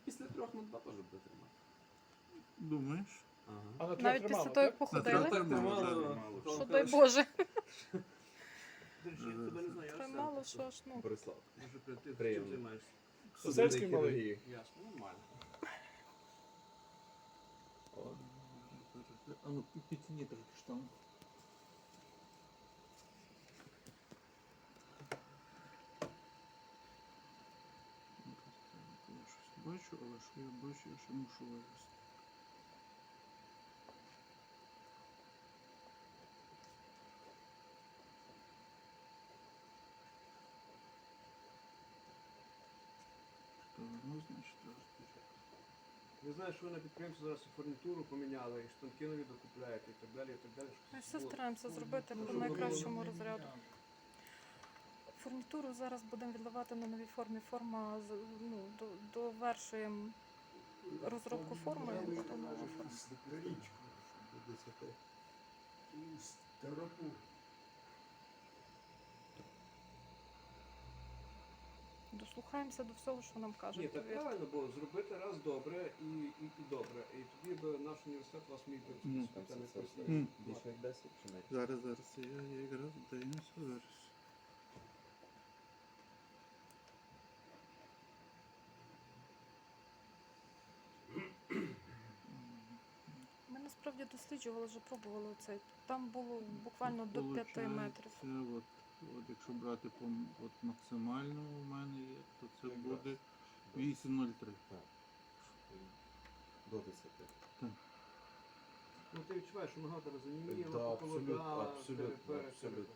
після 3х2 теж буде тримати. Думаєш? Ага. А на трьох Навіть тримало, після того, як так? походили. Так, Тримало. Що дай Боже. До речі, я тебе не знаю, Це мало що аж, ну. Борислав. Може, ти чим Приємно. займаєшся? Сосельський малий. Ясно, нормально. А ну підтяні трохи штангу. Я щось бачу, але що я бачу, я ще мушу вивести. Що воно значить розбіжати? Я знаю, що ви на підприємстві зараз і фурнітуру поміняли, і штанки нові докупляєте, і так далі, і так далі. Ми все стараємося зробити по найкращому розряду. Фурнітуру зараз будемо відливати на новій формі. Форма, ну, довершуємо розробку форми. І буде нова форма. Дослухаємося до всього, що нам Ні, кажуть. так правильно, бо зробити раз добре і добре. І тоді би наш університет вас міг би Ну, спеціально Це просити. більше як 10 чи менше? Зараз, я якраз дивимося зараз. Ми насправді досліджували, вже пробували це. Там було буквально до 5 метрів. Це от якщо брати по от максимально у мене є, то це буде 8,03. Так. До 10. Ну ти відчуваєш, що нога тебе заніміла, Да, абсолютно, поколебала, абсолютно, абсолютно.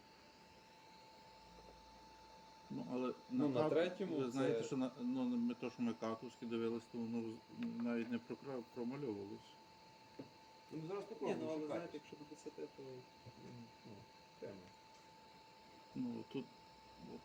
Ну, але Ну, на кат- третьому ви знаєте, це- що ми катовські дивилися, то воно навіть не промальовувалося. Ну ми зараз Ні, попробуємо. ну але шукати. знаєте, якщо до 10, то тема. Ну тут от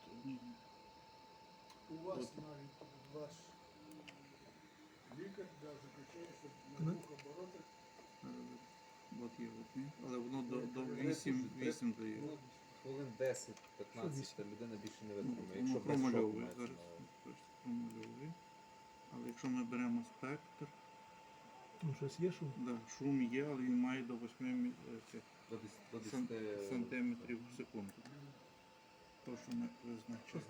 У вас От. навіть ваш лікар заключає, що на двох оборотах от є от, ні? Але воно до 8 дає. Ну, хвилин 10-15 людина більше не витримає. Воно Якщо без шоку промальовує мається зараз. на увазі. Точно промальовує. Але якщо ми беремо спектр, Ну, щось є шум. да, шум є, але він має до 8 цих До сан- 10 сантиметрів в секунду. То, що ми визначили.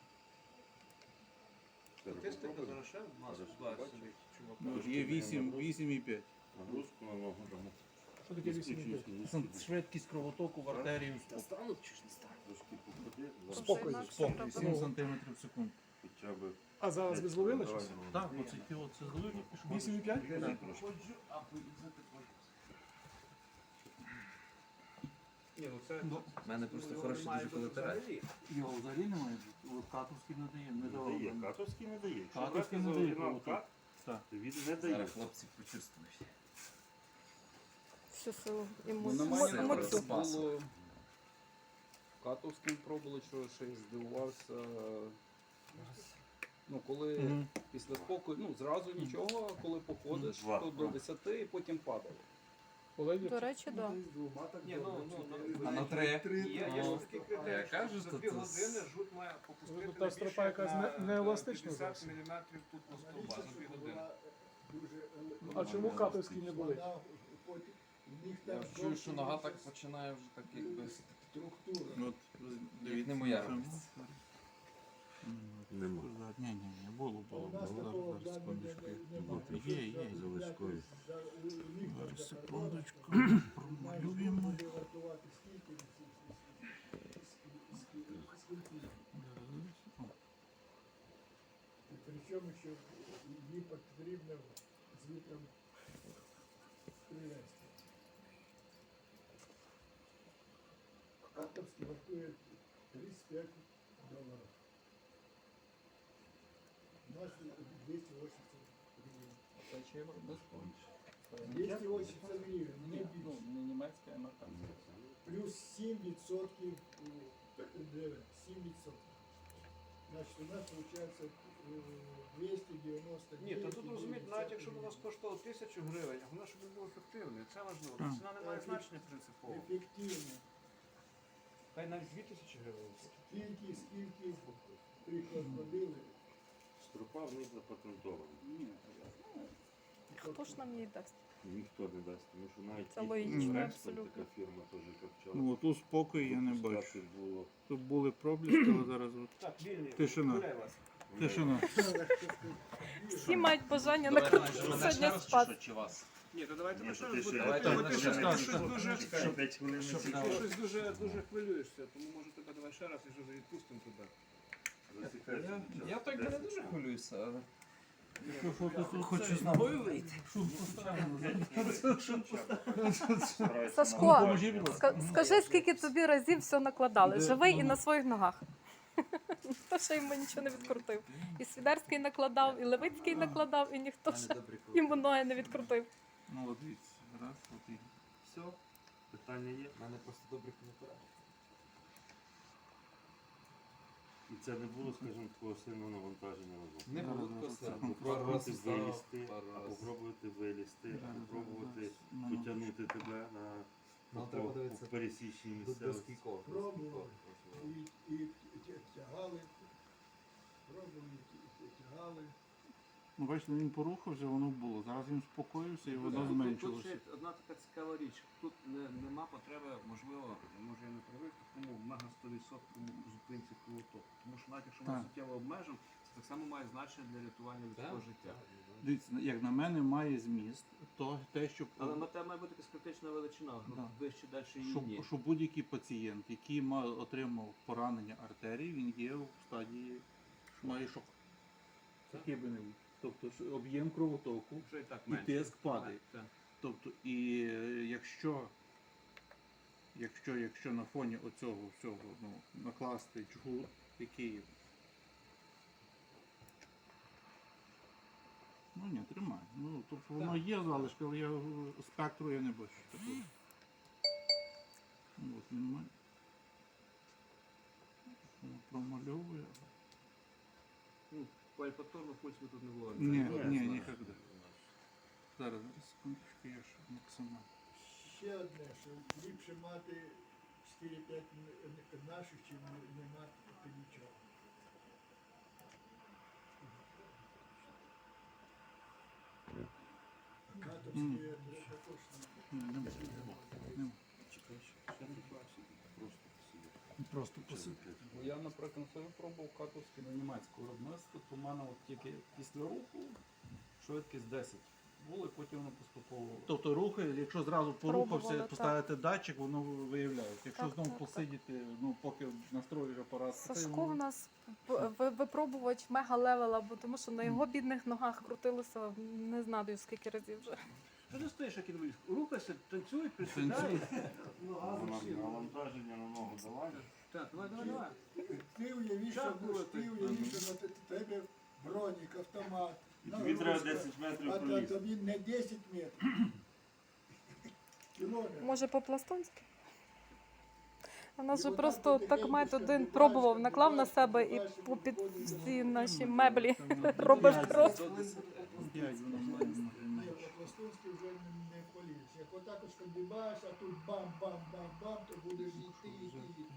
Статистика зараз ще в нас ситуація сидить, чувак. Ну, є 8,5. Нагрузку на ногу дамо. Що таке 8,5? Швидкість кровотоку в артерію Стануть чи ж не стануть? Трошки походи, Спокій, Спокій. 7 сантиметрів в секунду. хоча б. А зараз ви зловили щось? Так, оце це зловив і пішов. 8,5? Так. Ні, ну це... У мене просто хороші дуже колатералі. Його взагалі немає. От катовський не дає, не Не дає, давав. катовський не дає. Якщо Катовський брати не за дає оригінал кровоток. кат, Так. то він не дає. Зараз хлопці почувствують. Всю силу Ну, на мене емоцію. було Катовським пробували, що ще й здивувався. Ну, коли після спокою, ну, зразу нічого, а коли походиш, Два. то до 10 і потім падало. До речі, так. Ні, А на 3? Є скільки Я людей, кажу, за що 2 це години жут має попустити Ну, та стропа якась не еластична 50 зовсім. мм тут на стовба за 2 години. А чому катовські не були? Я чую, що нога так починає вже так якби. От, дивіться. Не моя на цьому. радість. Нема. Ні, було. Зараз, секундочку. От, є. Заводської. Зараз, секундочку. Промалюємо. О, Причому, що її потрібно звітом привезти. Катовський вартує $35. У нас 280 гривень. Це чи його без 280 гривень, не Ну, більше. не німецька, а американська. Плюс 7% НДВ. 7%. Значить, у нас виходить 290 Ні, то тут розумієте, навіть якщо б у нас коштувало 1000 гривень, головне, щоб він був ефективний. Це важливо. Ціна не має значення принципово. ефективно. Хай навіть 2000 гривень. Скільки приклад ходили, Стропа в них запатентована. хто ж нам її дасть? Ніхто не дасть, тому що навіть Це ті, логічно, Рекстон, абсолютно. така фірма теж копчала. Ну от у спокій я не бачу. Випускати було. Тут були проблиски, але зараз от Так, вільний. Тишина. Гуляй вас. тишина. Всі мають бажання Давайте накрутити мене сьогодні ще спас. раз, чи вас? Ні, то давайте Ні, ми то ще ти раз ще- будемо. Давайте Бо мене ти ще щось раз. щось дуже Чекай, 5 хвилин не Ти чекай. щось дуже хвилюєшся, тому може тебе давай ще раз і вже відпустимо тебе. Засікайся. Я так би не дуже хвилююся, але... Хочу з тобою вийти. Сашко, скажи, скільки тобі разів все накладали. Живий і на своїх ногах. Ніхто ще йому нічого не відкрутив. І Свідерський накладав, і Левицький накладав, і ніхто ще йому ноги не відкрутив. Ну от дивіться, раз, от і. Все, питання є. У мене просто добрий коментар. І це не було, скажімо, такого сильного навантаження на ногу. Не було Зараз, такого зараз. пару раз Попробувати встав, вилізти, пару а раз. попробувати вилізти, а Зараз, попробувати зараз. потягнути тебе на Нам треба дивитися пересічній До місцевості. скількох. Пробували. І тягали. Пробували, і тягали. Ну, бачите, він порухався, воно було. Зараз він спокоївся і воно Тут зменшилося. ще одна така цікава річ. Тут нема потреби, можливо, може я не правий, в такому мега 100% зупинці кровотоку. Тому що навіть якщо Так. ми суттєво обмежимо, це так само має значення для рятування людського життя. Дивіться, як на мене, має зміст то те, що, Але на те має бути якась критична величина, Да. вище далі її ні. що будь-який пацієнт, який отримав поранення артерії, він є в стадії, що має шок. Який би не був. Тобто що об'єм кровотоку Вже і так і менше. тиск падає. Так. Тобто, і якщо на фоні оцього всього накласти чугун, який. Ну ні, тримай. Ну, тобто воно є залишки, але спектру я не бачу. такого. Ну, от він має. Воно промальовує. Ну, повторно пульс ми тут не було. Ні, Ні, ні, знаєш. ніколи. Зараз, секундочку, я ж максимально. Ще одне, що ліпше мати 4-5 наших, чим не мати нічого. Катовські також Ні, нема. Нема. Просто посидити. Ну, я, наприклад, собі пробував катовське на німецьке виробництво, то в мене от тільки після руху швидкість 10. Було, і потім воно поступово. Тобто рухи, якщо зразу порухався, Пробували, поставити датчик, воно виявляє. Якщо Так, знову так, посидіти, ну поки настроїш апарат, Сашко в нас випробувач мега-левела, бо тому що на його бідних ногах крутилося не знаю скільки разів вже. Що ти стоїш, як інвалід? Рухайся, танцюй, присідай. Ну, газом всі. Навантаження на ногу давай. Так, давай. Ти уяви, що на тебе бронік, автомат. І тобі треба нагрузка. 10 метрів А пролізти. тобі не 10 метрів. Кілометр. Може по-пластунськи? У нас І же отак просто так потихеньку мать один скандибаєш, пробував, наклав на себе і попід всі наші меблі робив кров. 5 воно має бути Ні, менше. по-пластунськи вже не поліз. Як отак ось скандибаєш, а тут бам-бам-бам-бам, то будеш йти.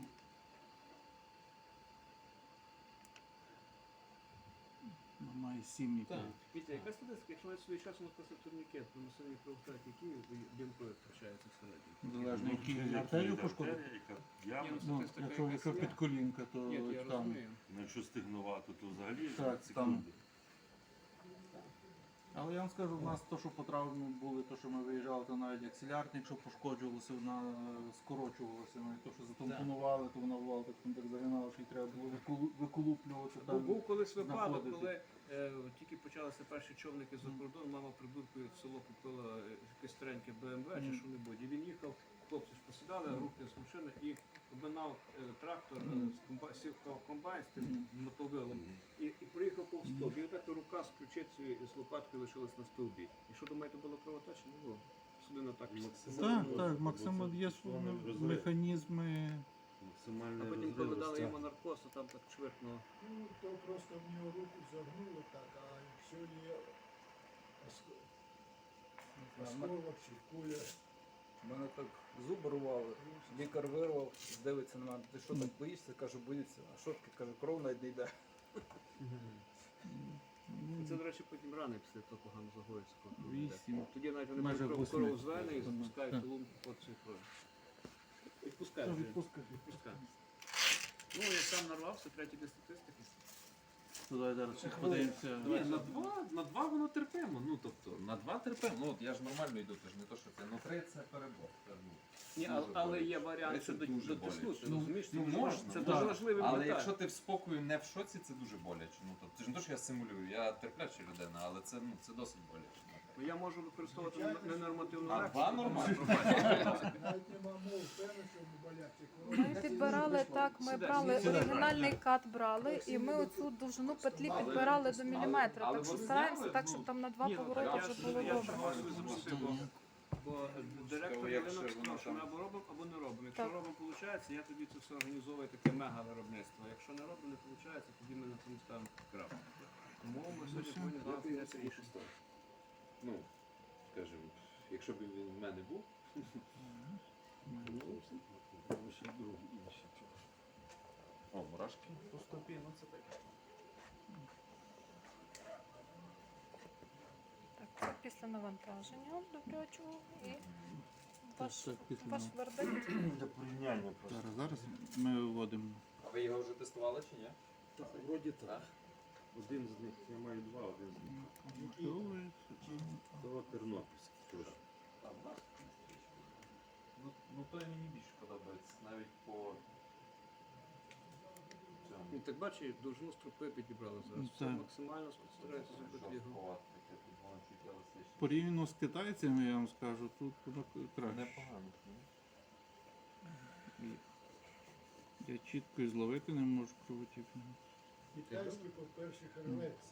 Воно має 7 і 5. Вітя, яка статистика, якщо навіть свій час написав турнікет, на масивній кровотрати, які бінтою втрачаються всередині? Залежно, які артерію пошкодив. Яма. Ну, якщо під колінка, то Ні, я там. розумію. Ну, якщо стигнувато, то взагалі Так, секунди. Але я вам скажу, в нас то, що по травмі були, то, що ми виїжджали, то навіть акселярник, якщо пошкоджувалося, вона скорочувалася. Навіть то, що затампонували, то вона бувала так загинала, що їй треба було виколуплювати. Бо Там. був колись випадок, знаходити. коли тільки почалися перші човники за кордон, мама прибулькою в село купила якесь стареньке БМВ чи що-небудь. І він їхав, хлопці ж посідали, руки з машини і обминав трактор, сів в комбайн з тим мотовилом і проїхав повз стовп. І отак рука з ключицею і з лопаткою лишилась на стовбі. І що думаєте, було кровотеча? Не було. Судина так. Так, Максимо, є свої механізми. А Максимальний потім, коли дали розрив. йому наркоз, то там так чвиркнуло. Ну, то просто в нього руку загнуло так, а якщо є осколок чи куля. У мене так зуби рвали, лікар вирвав, дивиться на мене, ти що так боїшся? Кажу, боюся. А що таке? Каже, кров навіть не йде. Це, до речі, потім рани після того погано загоїться. 8. Тоді навіть вони Майже можуть 8. корову з вени і запускають Так. лунку по цій крові. Відпускають. вже. Відпускають. Ну, я сам нарвався, третій для статистики. Ну, давай зараз ще подивимося. Ні, на два воно терпимо. Ну тобто, на 2 терпимо. Ну от я ж нормально йду, це ж не то, що це. Ну 3 це перебор. Це, ну, Ні, дуже але боляче. є варіант, Це що дуже дотиснути, боляче. розумієш? Це Ну, дуже можна, важливо. Це так. дуже важливий Але момент. якщо ти в спокою не в шоці, це дуже боляче. Ну тобто, це ж не те, що я симулюю, я терпляча людина, але це, ну, це досить боляче. Ну, я можу використовувати ненормативну А реакцію. 2 нормально. Навіть нема мов, певно, що боляче. Ми підбирали так, ми брали оригінальний кат брали, і ми оцю довжину петлі підбирали до міліметра. але Так що вони стараємося зняли, так, ну, щоб там на 2 Ні, ну, повороти я вже було я добре. чого собі запросив, бо директор Якщо ринок воно сказав, що там- ми або робимо, або не робимо. Якщо Так. робимо, виходить, я тоді це все організовую таке мега-виробництво. Якщо не робимо, не виходить, тоді ми на цьому ставимо крапку. Тому ми сьогодні повинні з вами прийняти рішення. Ну, скажімо, якщо б він в мене був, о, мурашки по стопі, ну це таке. Так, це після навантаження добрячого і ваш, Так, після ваш вердикт. Для порівняння просто. Зараз ми виводимо. А ви його вже тестували чи ні? Так, вроді так. Один з них, я маю 2, один з них. Того Тернопільський теж. Ну той мені більше подобається, навіть по цьому. Ну, так бачиш, довжину стропи підібрали зараз. Все Так. максимально стараються зробити його. Жорсткувато таке, тут воно чуть еластичне. Порівняно з китайцями, я вам скажу, тут воно краще. Непогано. Я чітко і зловити не можу кровотік. Китайський, по-перше, рветься.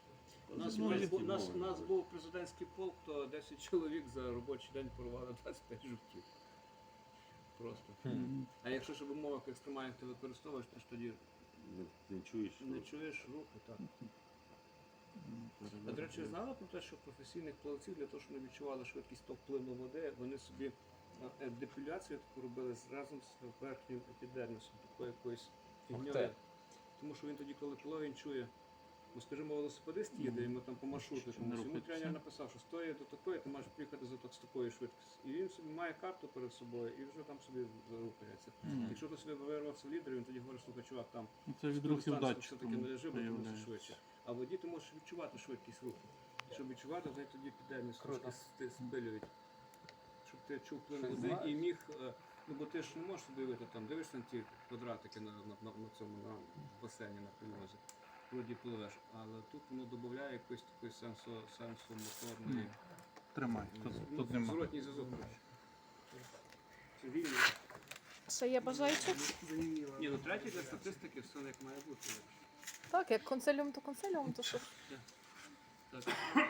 У нас був президентський полк, то 10 чоловік за робочий день порвали 25 жовтів. Просто. А якщо ж в умовах екстремальних ти використовуєш, ти ж тоді Не чуєш? не чуєш руху. Так. А до речі, знала про те, що професійних плавців для того, щоб вони відчували швидкість впливу води, вони собі депіляцію таку робили разом з верхнім епідермісом, такою якоюсь фігньою. те. Тому що він тоді, коли він чує, ну скажімо, велосипедист їде, йому там по маршруту, комусь, йому тренер написав, що з тої до такої ти маєш приїхати з такою швидкістю. І він собі має карту перед собою і вже там собі рухається. Якщо ти собі вирвався в лідер, він тоді говорить, слухай, чувак, там Це від рухів дистанцію датчиком все-таки не лежи, бо ти мусиш виявляється. швидше. А в воді ти можеш відчувати швидкість руху. Щоб відчувати, то тоді епідерміс трошки спилюють. Щоб ти чув плин води і міг, ну бо ти ж не можеш собі уявити, там дивишся на ті квадратики на цьому на басейні на пильозі. Вроді пливеш, але тут воно додає якоїсь такої сенсомоторної. Тримай, тут нема. Зворотній зв'язок. коротше. Це вільно. Ще є бажаючі? Ні, ну третій для статистики все як має бути. Так, як консиліум, то що? Так.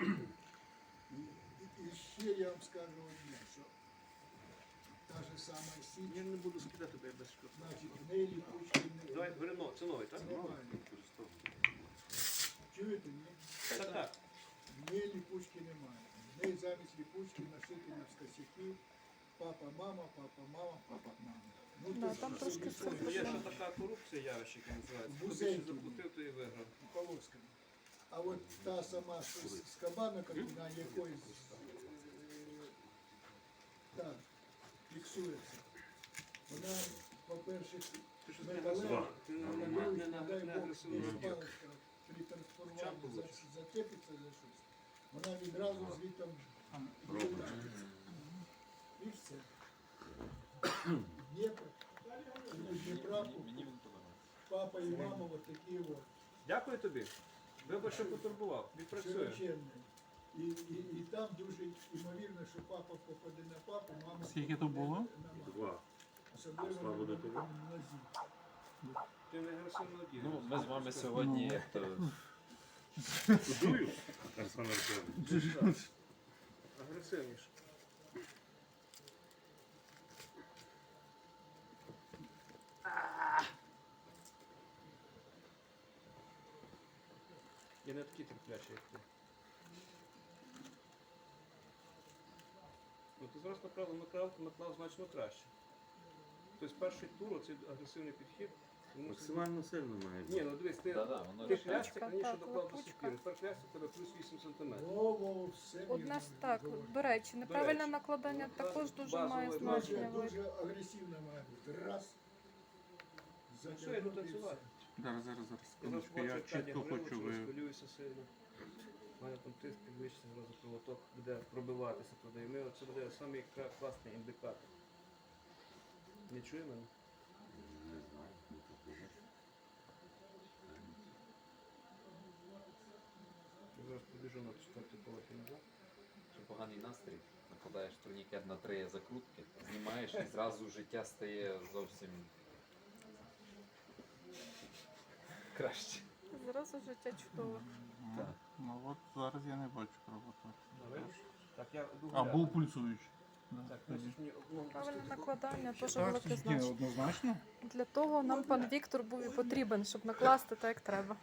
І ще я вам скажу одне, що та ж сама сіть, Я не буду скидати тебе без шкоди. значить, в неї ліпучки Давай, Рено, це новий, так? немає. Чуєте, ні? Так, так. В неї ліпучки немає. В неї замість ліпучки нашити на косяки папа, мама, мама. Ну, Да, то там ж трошки це Ну, є ще така корупція явище, яка називається. Хто більше Музейки. заплатив, то і виграв. полосками. А от та сама з кабана, на якої так, фіксується, вона, по-перше, Ти що металева, ти не дай Бог, агресивно. десь паличка при трансформуванні зачепиться за щось. Вона відразу звідти вилетає. І все. Дніпро, Дніпра, папа і мама от такі от. Дякую тобі. Вибач, що потурбував. Відпрацює. Широченний. І там дуже ймовірно, що папа попаде на папу, мама Скільки то було? на маму. 2. Особливо Слава на Богу. нозі. Ти не агресивно дієш. Ну, ми з вами сьогодні як то Дую? Арсен Арсенович. Агресивніше. Я не такий терплячий, як ти. Ну, ти зараз наклав значно краще. Тобто перший тур, оцей агресивний підхід, Максимально сильно має Ні, бути. ну дивись, ти воно ти ж хлястик Лапучка, раніше так, доклав до лапучка. сокири, тепер хлястик тебе плюс 8 см. Во, все Одне ж вірно так, говорить. до речі, неправильне речі. накладання Ну, також дуже базове має дуже, значення. Дуже агресивно має бути. Раз. Що я йду затягнути і танцювати? Зараз, Я секундочку, я чітко хочу ви. хвилююся сильно. У мене там тиск підвищиться, зразу кровоток буде пробиватися туди. І ми, це буде самий класний індикатор. Не чує мене? Не знаю, не такого. Я зараз побіжу на четвертий поверх і назад. Що поганий настрій, накладаєш турнікет на 3 закрутки, знімаєш і зразу життя стає зовсім краще. Зразу життя чудове. Ну от зараз я не бачу кровоток. Так, я йду А, гуляти. був пульсуючий. Так, мусиш мені одну Правильне пустити. накладання теж Так, велике ні, значення. однозначно. Для того нам пан Віктор був і потрібен, щоб накласти так, як треба.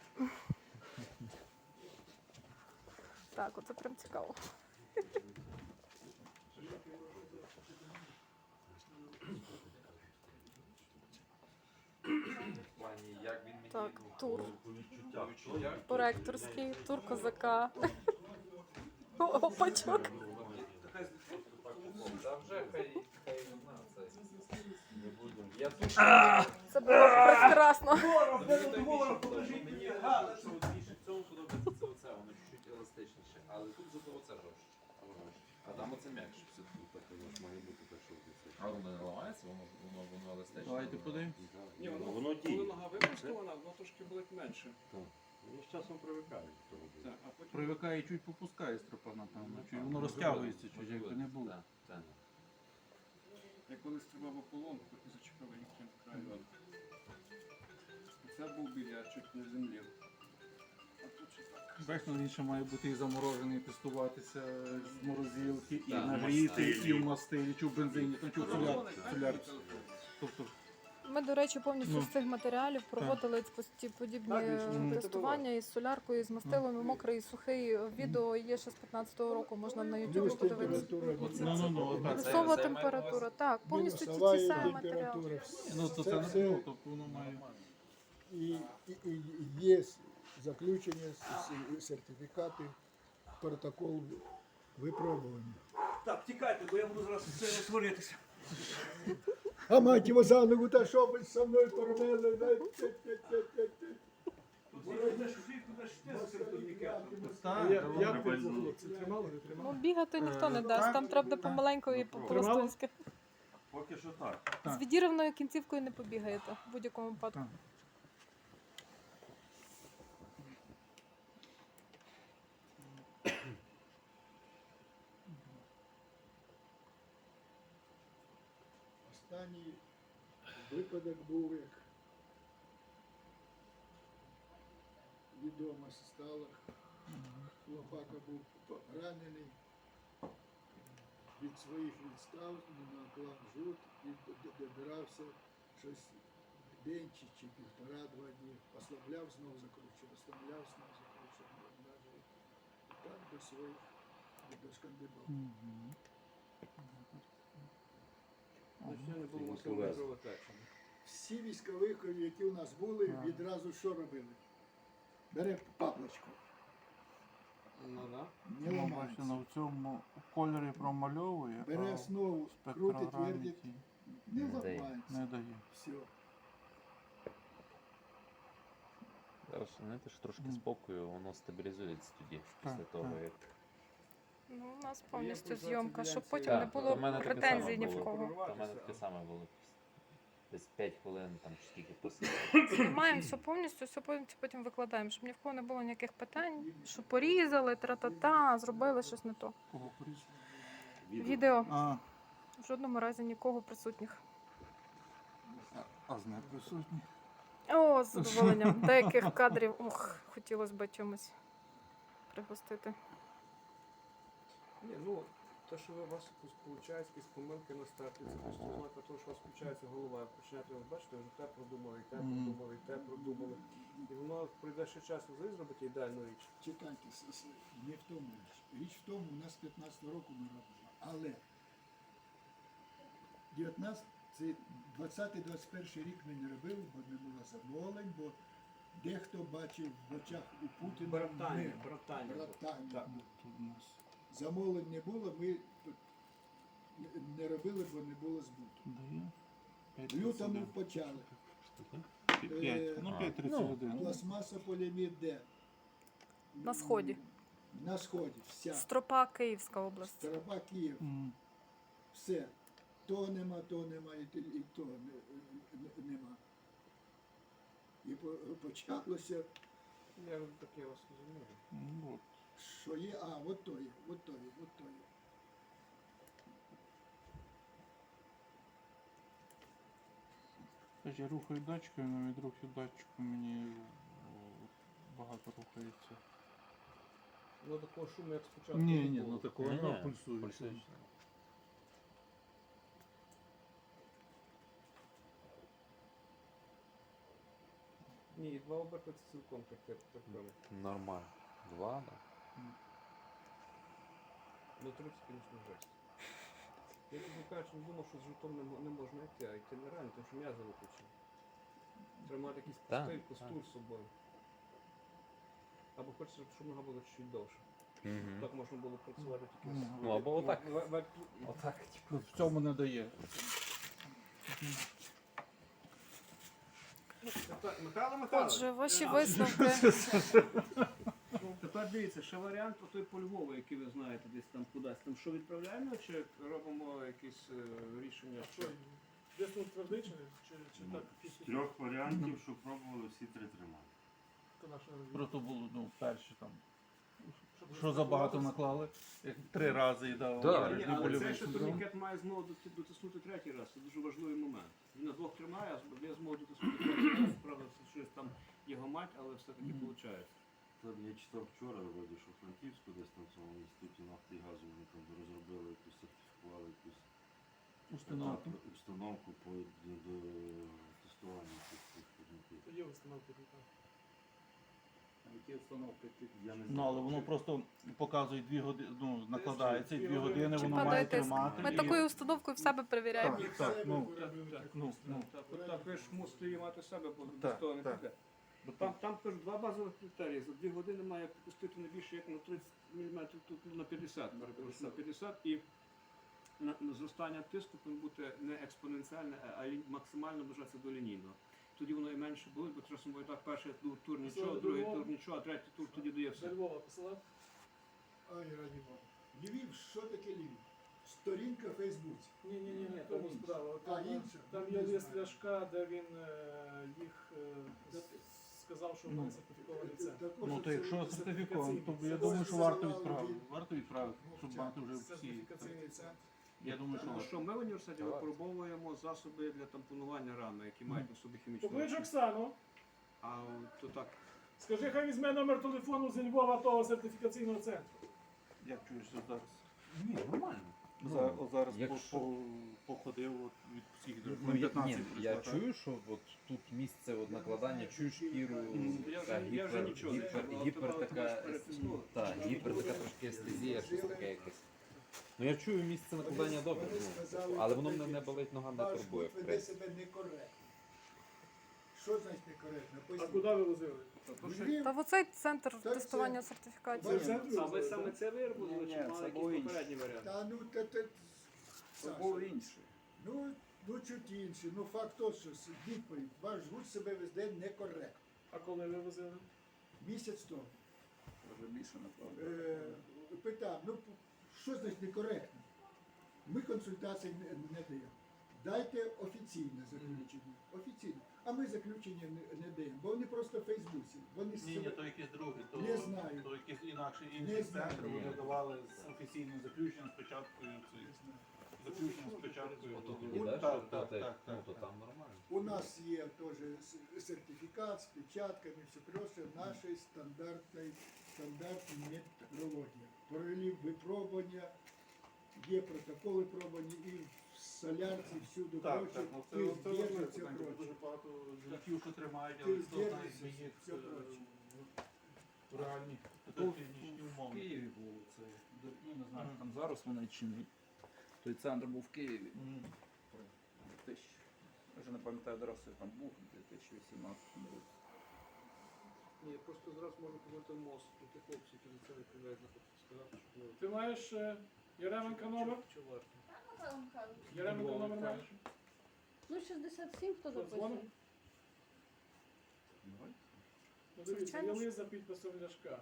Так, оце прям цікаво. В плані, як він мені Так, тур. відчуття. Поректорський, тур козака. Опачок. Та вже хай одна це. Не будемо. Я тут Це було прекрасно. мені що більше в цьому подобається це оце, воно чуть-чуть еластичніше, але тут зато оце жорстче. А там оце м'якше все. Ну, так воно ж має бути так, щоб це. А воно не ламається, воно еластичне. Давайте подивимось. Ні, Ну, воно, воно коли діє. нога випростована, воно трошки болить менше. Воно з часом привикає до того. Так, а потім... Привикає і чуть попускає стропа, напевно. Чуть воно розтягується, чуть якби не було. Так, так. Я колись тримав ополонку і зачепив їхнім краю. І це був біль, я чуть не землів. А тут ще так. Бачиш, ну, він ще має бути і заморожений, тестуватися з морозилки, і Так, нагріти, мастилі. і в мастилі, чи в бензині, там чи в солярці. Тобто, Ми, до речі, повністю Ну. з цих матеріалів проводили подібні Так, більше не тестування із соляркою, із мастилом, і мокрий, і сухий. Відео є ще з 15-го року, можна на ютубі Мінус подивитися. температура. отак. Плюсова температура, так, повністю ті Мінусова самі матеріали. температура. Ну, то це не було, тобто воно має. І є заключення, сертифікати, протокол випробування. Так, тікайте, бо я буду зараз це сваритися. А мать його за ногу, та що ви со мною тормели? Так, Як ти це, хлопці, тримали, не Ну, тримали? бігати ніхто не дасть, там треба буде помаленьку і по-простонськи. Поки що так. З відірваною кінцівкою не побігаєте в будь-якому випадку. Так. Останній випадок був, як відомо стало. Хлопака був ранений від своїх відстав, наклав жут і добирався щось день чи півтора-два дні. Ослабляв, знов закручував, ослабляв, знов закручував. І так до своїх, до шкандибав. Ще не було масової кровотечі. Всі військовики, які у нас були, відразу що робили? Бере паплочку, Ну, да. не Ну, ламається. бачите, в цьому кольорі промальовує, Бере а основу, в крутить, спектрограмі вертить, ті не Не дає. ламається. не дає. Все. Зараз знаєте, що трошки спокою, воно стабілізується тоді, Так, після того, так. як. Ну, у нас Я повністю пользувався зйомка, щоб ділянці- потім не Так, було у мене таке претензій ні саме в було. кого. У мене таке саме було. Десь 5 хвилин, там чи скільки посидів. Знімаємо все повністю, все потім викладаємо, щоб ні в кого не було ніяких питань, що порізали, тра-та-та, зробили щось не то. Кого порізали? Відео А, в жодному разі нікого присутніх. а з неприсутні. О, з задоволенням. Деяких кадрів, хотілося б чимось пригостити. Ні, ну, те, що у вас виходить якісь помилки на старті, це просто ознака того, що у вас включається голова. Починаєте, бачите, вже те продумали, і те продумали, і те продумали. І воно пройде ще час, ви зробите ідеальну річ. Чекайте, не в тому річ. Річ в тому, у нас 15 року ми робимо. Але 19, Це 20-21 рік ми не робили, бо не було замовлень, бо дехто бачив в очах у Путіна Братання. братання. Так. Тут у нас Замовлень не було, ми тут не робили, бо не було збуту. дає В лютому почали. 5, ну 5,31. Пластмаса поліамід де? На сході. На сході, вся. Стропа, Київська область. Староба, Київ, все. То нема, і то нема. І почалося, Я таке вас розумію. Ну, от. що є, от то є, от то є, от то є. Тож я рухаю датчиком, але від руху датчику мені багато рухається. Ну такого шуму, як спочатку. Ні, не ні, було. ну такого Ні, не ні, пульсує. пульсує. Ні, і 2 оберти це цілком терпимо. Нормально. 2, да. Ну 30, звісно, жесть. Я, чесно кажучи, не думав, що з житом не можна йти, а йти нереально, тому що м'язи виключені. Треба мати якийсь Так, пустий, так. костур з собою. Або хочеться, щоб нога була чуть довше. Мгм. Так можна було працювати тільки Ну, з... Ну, або отак. Отак. Ну, в цьому не дає. Михайло Михайлович. Отже, ваші висновки. Тепер дивіться, ще варіант той по Львову, який ви знаєте, десь там кудись. Там що відправляємо, чи робимо якісь рішення? Що, десь твердий чи так? З 3 варіантів, що пробували, всі 3 тримали. То наше Просто було, ну, перші там. щоб Що забагато наклали? Як 3 рази і дав Да. Ні, бережний але больовий цей ще синдром. турнікет має змогу дотиснути 3-й раз. Це дуже важливий момент. Він на 2 тримає, а я зможу дотиснути 3-й раз. Правда, це щось там його мать, але все-таки виходить. Там я читав вчора, вроді, що в Франківську десь там в цьому інституті нафти і газу вони там розробили якусь, сертифікували якусь Установку. установку по до тестування цих турнікетів. То є установки тут. Які установки ти? Я не Ну, знаю, але воно чи- просто показує 2 години, ну, накладається, і 2 Чи години Чи воно падає має тиск? тримати. Ми і- такою установкою в себе перевіряємо. Так, так, ну, ну, Так, ви ж мусите її мати в себе, бо без Так, того не так. піде. Там кажуть, 2 базових критерії. За 2 години має пустити не більше як на 30 мм, тут на 50, перепрошую, на 50. І зростання тиску повинно бути не експоненціальне, а максимально наближатися до лінійного. Тоді воно і менше болить, бо часом буває так, перший тур нічого, другий тур нічого, а третій тур тоді дає все. До Львова посилав? Ай, раді Бога. Львів, що таке Львів? Сторінка в Фейсбуці. Ні, тому справа. А, інша? Там Не є лист знаю. Ляшка, де він їх сказав, що вони сертифікований центр. Також Ну, то це якщо це сертифіковано, то я сертифікаційний. думаю, що Це варто мало відправити. від- Варто відправити, щоб мати вже всі. Сертифікаційний центр. Я думаю, що Ну варто. що, ми в університеті Давай. випробовуємо засоби для тампонування рани, які мають на собі хімічну Поклич речовину. Оксану, А то так, скажи, хай візьме номер телефону зі Львова того сертифікаційного центру. Як чуєш що зараз? Ні, нормально. Зараз якщо- походив от від всіх Ну, до я 15 я прийшла, чую, що от тут місце от накладання, чую шкіру, я вже нічого не чую, але гіпер тебе така, перетиснуло. гіпер така трошки естезія, щось таке якесь. Ну я чую місце накладання добре, Вони ну, сказали, але воно мене тоді, не болить, нога не Ваш турбує. гурт веде себе некоректно. Що значить некоректно? А Поясніть. куди ви возили? Львів, Та в оцей центр Так, тестування це- сертифікації. Це в центрі А ви возили, саме так? це виробили, чи Ні, мали це якийсь було інше. попередній варіант? та ну Саша, інше. ну чуть інше. Ну факт тот, що відповідь. Ваш гурт себе веде некоректно. А коли ви возили? Місяць тому. Може більше направду. Питав, ну що значить некоректно? Ми консультації не даємо. Дайте офіційне заключення. Офіційне. А ми заключення не даємо, бо вони просто в Фейсбуці. Вони Ні, ні, то якісь другі, Не знаю. то якісь інакші Не інші знаю. центри, вони давали з офіційним заключенням спочатку заключенням спочатку. Ото тоді, От да, так, що так, то так, ну так, то так. там нормально. У нас є теж сертифікат з печатками, все просто нашої стандартної методології. Провели випробування, є протоколи пробування і в солярці всюди Так, прочі, так, ну це ти важливо, здержиться питання, бо дуже прочі. багато життів, що тримають, Ти але хто знає, здержишся, де їх все проче. в реальні Ну, клінічні В умови. Києві було це. Ну, не знаю, там зараз вони чи ні. Той центр був в Києві. тисяч. Я вже не пам'ятаю адреси, там був у 2018 році. Ні, просто зараз можу помити мост, тут і хлопці, які до цього відповідають, сказати, що Ти маєш Яременка номер? чи варто. Яременка номер маєш? Ну, 67 хто Що, дзвонить? Ну, дивіться, є Звичайно, лист за підписом Ляшка.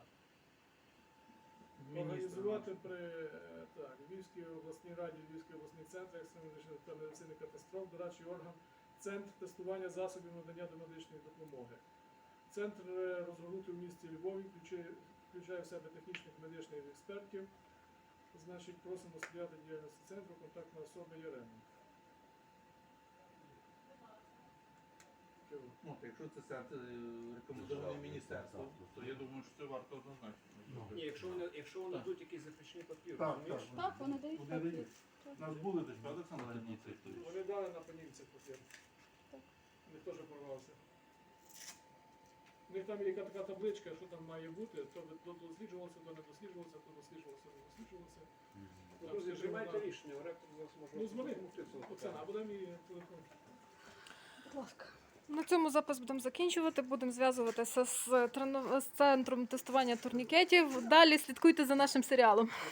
Організувати при Львівській обласній раді, Львівський обласний центр екстреної та медицини катастроф, дорадчий орган, центр тестування засобів надання домедичної допомоги. Центр розгорнутий у місті Львові, включає в себе технічних медичних експертів. Значить, просимо сприяти діяльності центру, контактна особа Яременко. Ну, то якщо це рекомендований міністерством, то я думаю, що це варто однозначно. Ні, якщо вони дадуть якийсь запрещений папір, Так, розумієш? Так, вони дають Вони папір. дають. У нас були десь, правда, Олександр? Вони дали на панівці папір. Так. У них теж порвався. У них там є яка така табличка, що там має бути, то досліджувалося, то не досліджувалося, то досліджувалося, не досліджувалося. Ну, друзі, приймайте рішення, ректор зараз може Ну, дзвони, допомогти в цьому Оксана, питанні. а буде мій телефон? Будь ласка. На цьому запис будемо закінчувати. Будемо зв'язуватися з центром тестування турнікетів. Далі слідкуйте за нашим серіалом.